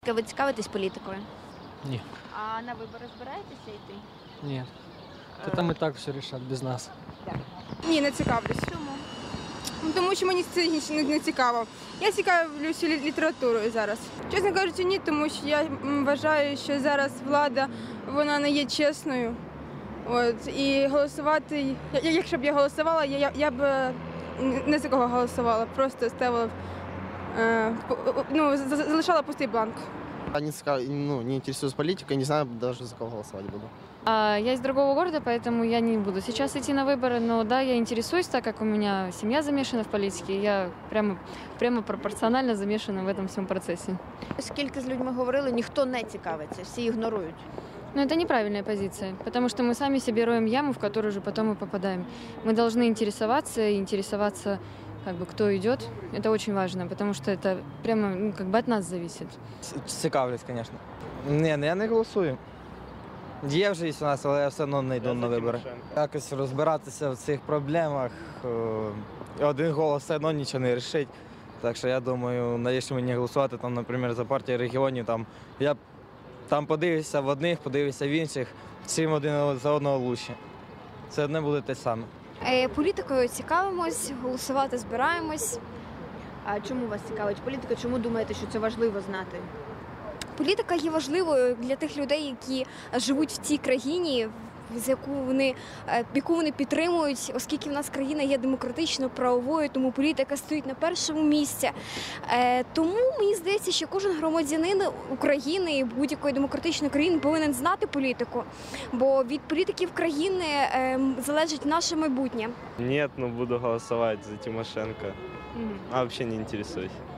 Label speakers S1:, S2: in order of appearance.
S1: Ви цікавитесь політикою?
S2: Ні.
S1: А на вибори збираєтеся йти?
S2: Ні. Та там і так все рішать без нас.
S3: Ні, не цікавлюсь.
S1: Чому?
S3: Ну, тому що мені це не цікаво. Я цікавлюся літературою зараз. Чесно кажучи, ні, тому що я вважаю, що зараз влада, вона не є чесною. От, і голосувати, якщо б я голосувала, я б не за кого голосувала, просто ставила, залишала пустий бланк.
S4: Не интересуюсь политикой, не знаю даже за кого голосовать буду.
S5: Я из другого города, поэтому я не буду сейчас идти на выборы, но да, я интересуюсь, так как у меня семья замешана в политике, я прямо пропорционально замешана в этом всем процессе.
S1: Скільки з людьми говорили, ніхто не цікавиться, всі ігнорують.
S5: Но это неправильная позиция, потому что мы сами себе роем яму, в которую же потом и попадаем. Мы должны интересоваться, как бы, кто идет. Это очень важно, потому что это прямо от нас зависит.
S6: Цікавлюсь, звісно. Ні, я не голосую. Є вже у нас, але я все одно не йду на вибори. Якось розбиратися в цих проблемах, один голос все одно нічого не вирішить. Так що я думаю, навіщо мені голосувати, там, наприклад, за партію регіонів, я там подивився в одних, подивився в інших, всім один за одного лучше. Це одне буде те саме.
S1: Політикою цікавимось, голосувати збираємось. А чому вас цікавить політика? Чому думаєте, що це важливо знати?
S7: Політика є важливою для тих людей, які живуть в цій країні, яку вони підтримують, оскільки в нас країна є демократично правовою, тому політика стоїть на першому місці. Тому мені здається, що кожен громадянин України і будь-якої демократичної країни повинен знати політику, бо від політиків країни залежить наше майбутнє.
S8: Нет, но буду голосовать за Тимошенко. А вообще не интересуюсь.